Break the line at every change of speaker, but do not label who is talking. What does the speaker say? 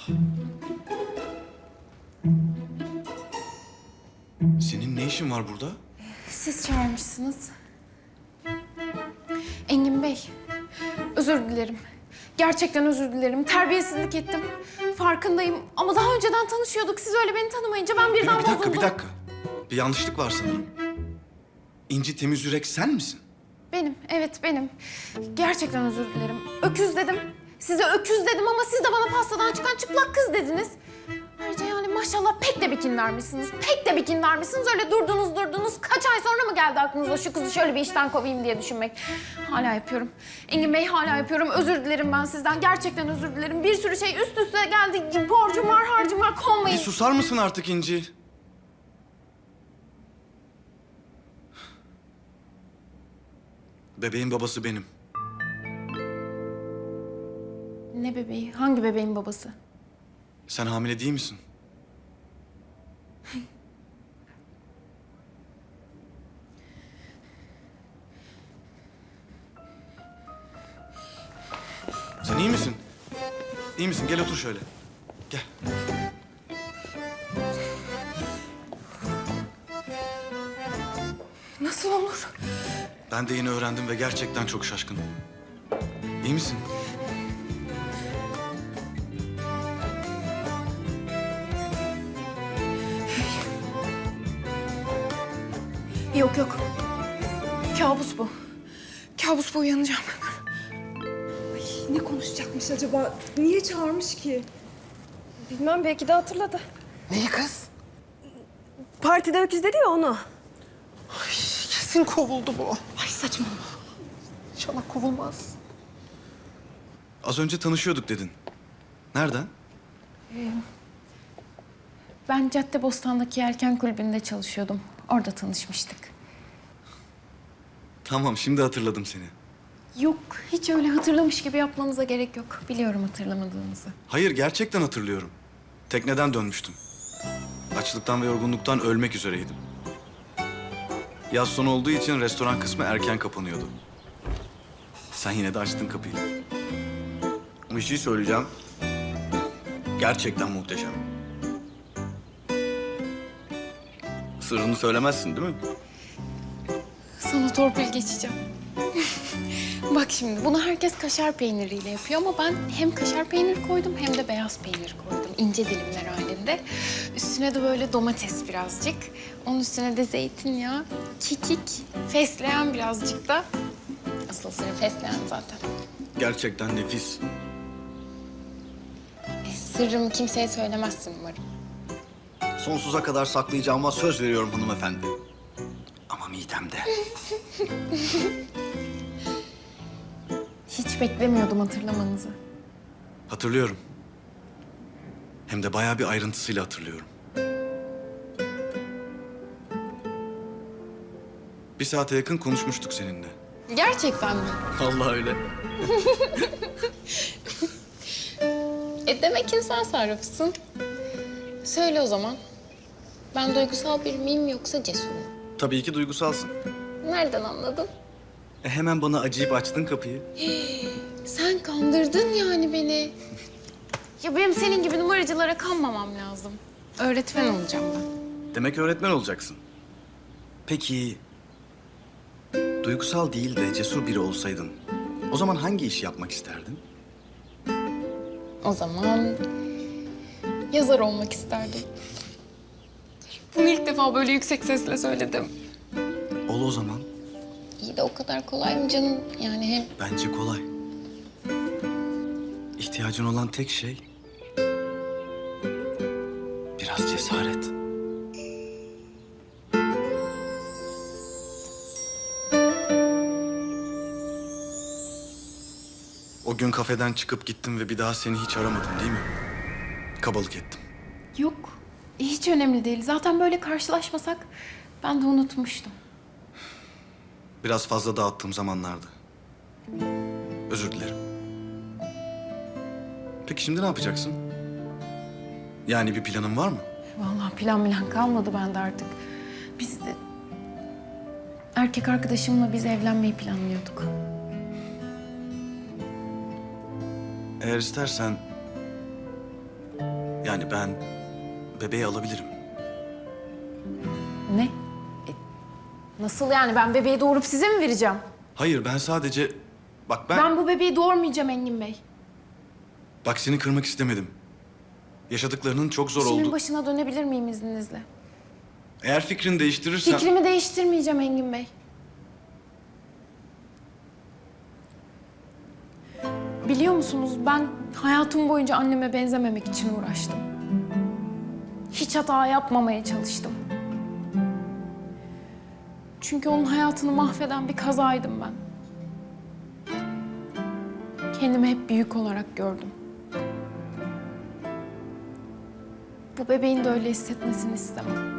Senin ne işin var burada?
Siz çağırmışsınız. Engin Bey, özür dilerim. Gerçekten özür dilerim. Terbiyesizlik ettim. Farkındayım ama daha önceden tanışıyorduk. Siz öyle beni tanımayınca ben birden
Bir dakika,
bozuldum.
bir dakika. Bir yanlışlık var sanırım. İnci Temiz Yürek sen misin?
Benim, evet benim. Gerçekten özür dilerim. Öküz dedim. Size öküz dedim ama siz de bana pastadan çıkan çıplak kız dediniz. Ayrıca yani maşallah pek de bikinlermişsiniz. Pek de bikinlermişsiniz. Öyle durdunuz. Kaç ay sonra mı geldi aklınıza şu kızı şöyle bir işten kovayım diye düşünmek? Hala yapıyorum. Engin Bey hala yapıyorum. Özür dilerim ben sizden. Gerçekten özür dilerim. Bir sürü şey üst üste geldi. Borcum var, harcım var.
Bir
Kovmayın.
susar mısın artık İnci? Bebeğin babası benim.
Ne bebeği? Hangi bebeğin babası?
Sen hamile değil misin? Sen iyi misin? İyi misin? Gel otur şöyle. Gel.
Nasıl olur?
Ben de yeni öğrendim ve gerçekten çok şaşkınım. İyi misin?
Yok. Kabus bu. Kabus bu, uyanacağım.
Ne konuşacakmış acaba? Niye çağırmış ki?
Bilmem, belki de hatırladı.
Neyi kız?
Partide öküz dedi ya onu.
Kesin kovuldu bu.
Ay saçmalama.
İnşallah kovulmaz.
Az önce tanışıyorduk dedin. Nereden?
Ben Caddebostan'daki Yelken Kulübü'nde çalışıyordum. Orada tanışmıştık.
Tamam, şimdi hatırladım seni.
Yok, hiç öyle hatırlamış gibi yapmanıza gerek yok. Biliyorum hatırlamadığınızı.
Hayır, gerçekten hatırlıyorum. Tekneden dönmüştüm. Açlıktan ve yorgunluktan ölmek üzereydim. Yaz sonu olduğu için restoran kısmı erken kapanıyordu. Sen yine de açtın kapıyı. Bir şey söyleyeceğim. Gerçekten muhteşem. Sırrını söylemezsin değil mi?
Sana torpil geçeceğim. Bak şimdi, bunu herkes kaşar peyniriyle yapıyor ama ben hem kaşar peyniri koydum hem de beyaz peynir koydum. İnce dilimler halinde. Üstüne de böyle domates birazcık. Onun üstüne de zeytinyağı, kekik, fesleğen birazcık da. Asıl sırrı fesleğen zaten.
Gerçekten nefis.
Sırrımı kimseye söylemezsin umarım.
Sonsuza kadar saklayacağıma söz veriyorum hanımefendi. Ama midemde.
Hiç beklemiyordum hatırlamanızı.
Hatırlıyorum. Hem de bayağı bir ayrıntısıyla hatırlıyorum. Bir saate yakın konuşmuştuk seninle.
Gerçekten mi?
Vallahi öyle.
Demek ki sen sarrafısın. Söyle o zaman. Ben duygusal bir miyim yoksa cesur mu?
Tabii ki duygusalsın.
Nereden anladın?
Hemen bana acıyıp açtın kapıyı.
Sen kandırdın yani beni. Ya benim senin gibi numaracılara kanmamam lazım. Öğretmen olacağım ben.
Demek öğretmen olacaksın. Peki... duygusal değil de cesur biri olsaydın... o zaman hangi işi yapmak isterdin?
O zaman yazar olmak isterdim. Bunu ilk defa böyle yüksek sesle söyledim.
Ol o zaman.
İyi de o kadar kolay mı canım? Yani hem
Bence kolay. İhtiyacın olan tek şey... biraz cesaret. O gün kafeden çıkıp gittim ve bir daha seni hiç aramadım değil mi? Kabalık ettim.
yok. Hiç önemli değil. Zaten böyle karşılaşmasak ben de unutmuştum.
Biraz fazla dağıttığım zamanlardı. Özür dilerim. Peki şimdi ne yapacaksın? Yani bir planın var mı?
Vallahi plan kalmadı bende artık. Biz de erkek arkadaşımla biz evlenmeyi planlıyorduk.
Eğer istersen Yani ben bebeği alabilirim.
Ne? Nasıl yani? Ben bebeği doğurup size mi vereceğim?
Hayır, ben sadece... Bak
Ben bu bebeği doğurmayacağım Engin Bey.
Bak seni kırmak istemedim. Yaşadıklarının çok zor
İşimin
oldu.
başına dönebilir miyim izninizle?
Eğer fikrini değiştirirsen...
Fikrimi değiştirmeyeceğim Engin Bey. Biliyor musunuz, ben hayatım boyunca anneme benzememek için uğraştım. Hiç hata yapmamaya çalıştım. Çünkü onun hayatını mahveden bir kazaydım ben. Kendimi hep büyük olarak gördüm. Bu bebeğin de öyle hissetmesini istemem.